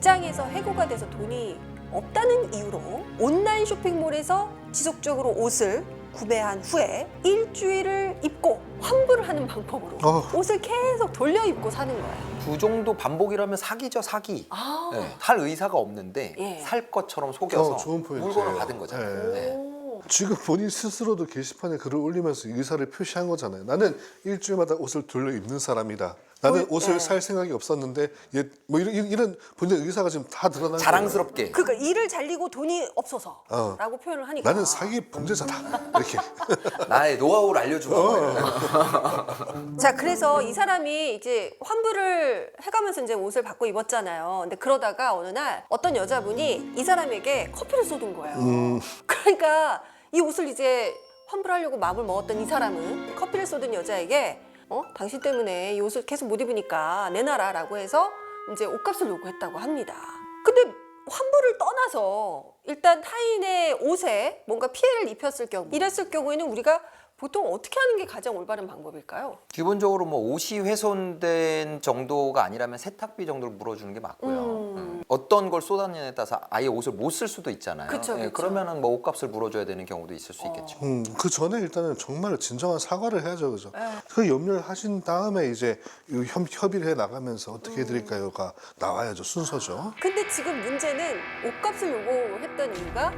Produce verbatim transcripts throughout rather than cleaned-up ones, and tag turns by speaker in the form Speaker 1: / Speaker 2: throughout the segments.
Speaker 1: 직장에서 해고가 돼서 돈이 없다는 이유로 온라인 쇼핑몰에서 지속적으로 옷을 구매한 후에 일주일을 입고 환불을 하는 방법으로
Speaker 2: 어.
Speaker 1: 옷을 계속 돌려 입고 사는 거예요.
Speaker 3: 그 정도 반복이라면 사기죠, 사기.
Speaker 1: 아.
Speaker 3: 네, 살 의사가 없는데
Speaker 1: 예.
Speaker 3: 살 것처럼 속여서
Speaker 2: 어, 좋은 포인트예요.
Speaker 3: 물건을 받은 거잖아요.
Speaker 2: 네.
Speaker 3: 네.
Speaker 1: 오.
Speaker 2: 지금 본인 스스로도 게시판에 글을 올리면서 의사를 표시한 거잖아요. 나는 일주일마다 옷을 돌려 입는 사람이다. 나는
Speaker 1: 어,
Speaker 2: 옷을
Speaker 1: 네.
Speaker 2: 살 생각이 없었는데 얘, 뭐 이런, 이런 본인의 의사가 지금 다 드러난
Speaker 3: 자랑스럽게.
Speaker 1: 그러니까 일을 잘리고 돈이 없어서
Speaker 2: 어.
Speaker 1: 라고 표현을
Speaker 2: 거예요.
Speaker 1: 하니까
Speaker 2: 나는 사기 범죄자다. 이렇게.
Speaker 3: 나의 노하우를 알려준 거예요.
Speaker 1: 자, 그래서 이 사람이 이제 환불을 해가면서 이제 옷을 바꿔 입었잖아요. 근데 그러다가 어느 날 어떤 여자분이 이 사람에게 커피를 쏟은 거예요.
Speaker 2: 음.
Speaker 1: 그러니까 이 옷을 이제 환불하려고 마음을 먹었던 이 사람은 커피를 쏟은 여자에게 어? 당신 때문에 이 옷을 계속 못 입으니까 내놔라 라고 해서 이제 옷값을 요구했다고 합니다. 근데 환불을 떠나서 일단 타인의 옷에 뭔가 피해를 입혔을 경우 이랬을 경우에는 우리가 보통 어떻게 하는 게 가장 올바른 방법일까요?
Speaker 3: 기본적으로 뭐 옷이 훼손된 정도가 아니라면 세탁비 정도를 물어주는 게 맞고요.
Speaker 1: 음.
Speaker 3: 음. 어떤 걸 쏟았냐에 따라서 아예 옷을 못 쓸 수도 있잖아요.
Speaker 1: 그쵸,
Speaker 3: 예,
Speaker 1: 그쵸.
Speaker 3: 그러면은 뭐 옷값을 물어줘야 되는 경우도 있을 수 있겠죠.
Speaker 2: 음, 그 전에 일단은 정말 진정한 사과를 해야죠, 그죠?
Speaker 1: 네.
Speaker 2: 그 염려를 하신 다음에 이제 이 협, 협의를 해 나가면서 어떻게 해드릴까요가 나와야죠, 순서죠.
Speaker 1: 근데 지금 문제는 옷값을 요구했던 이유가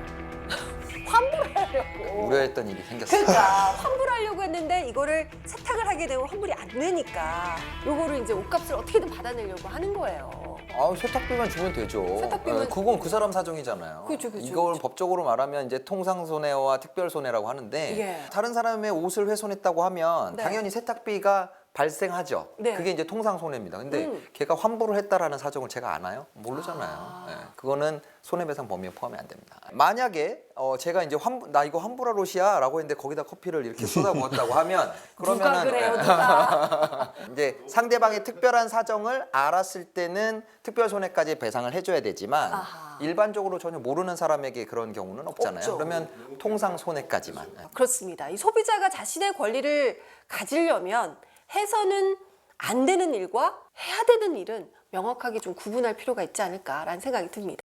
Speaker 1: 환불하려고.
Speaker 3: 우려했던 일이 생겼어요.
Speaker 1: 그러니까 환불하려고 했는데 이거를 세탁을 하게 되면 환불이 안 되니까 요거를 이제 옷값을 어떻게든 받아내려고 하는 거예요.
Speaker 3: 아, 세탁비만 주면 되죠.
Speaker 1: 세탁비만-
Speaker 3: 예, 그건 그 사람 사정이잖아요.
Speaker 1: 그죠, 그죠,
Speaker 3: 이걸
Speaker 1: 그죠.
Speaker 3: 법적으로 말하면 이제 통상손해와 특별손해라고 하는데
Speaker 1: 예.
Speaker 3: 다른 사람의 옷을 훼손했다고 하면
Speaker 1: 네.
Speaker 3: 당연히 세탁비가 발생하죠.
Speaker 1: 네.
Speaker 3: 그게 이제 통상손해입니다. 근데
Speaker 1: 음.
Speaker 3: 걔가 환불을 했다라는 사정을 제가 아나요? 모르잖아요.
Speaker 1: 아.
Speaker 3: 예, 그거는 손해배상 범위에 포함이 안 됩니다. 만약에 어, 제가 이제 환불, 나 이거 환불할 옷이야라고 했는데 거기다 커피를 이렇게 쏟아부었다고 하면
Speaker 1: 누가
Speaker 3: 그러면은
Speaker 1: 그래요,
Speaker 3: 예.
Speaker 1: 누가?
Speaker 3: 이제 상대방의 특별한 사정을 알았을 때는 특별 손해까지 배상을 해줘야 되지만
Speaker 1: 아하.
Speaker 3: 일반적으로 전혀 모르는 사람에게 그런 경우는 없잖아요.
Speaker 1: 없죠.
Speaker 3: 그러면 통상 손해까지만.
Speaker 1: 그렇습니다. 이 소비자가 자신의 권리를 가지려면 해서는 안 되는 일과 해야 되는 일은 명확하게 좀 구분할 필요가 있지 않을까라는 생각이 듭니다.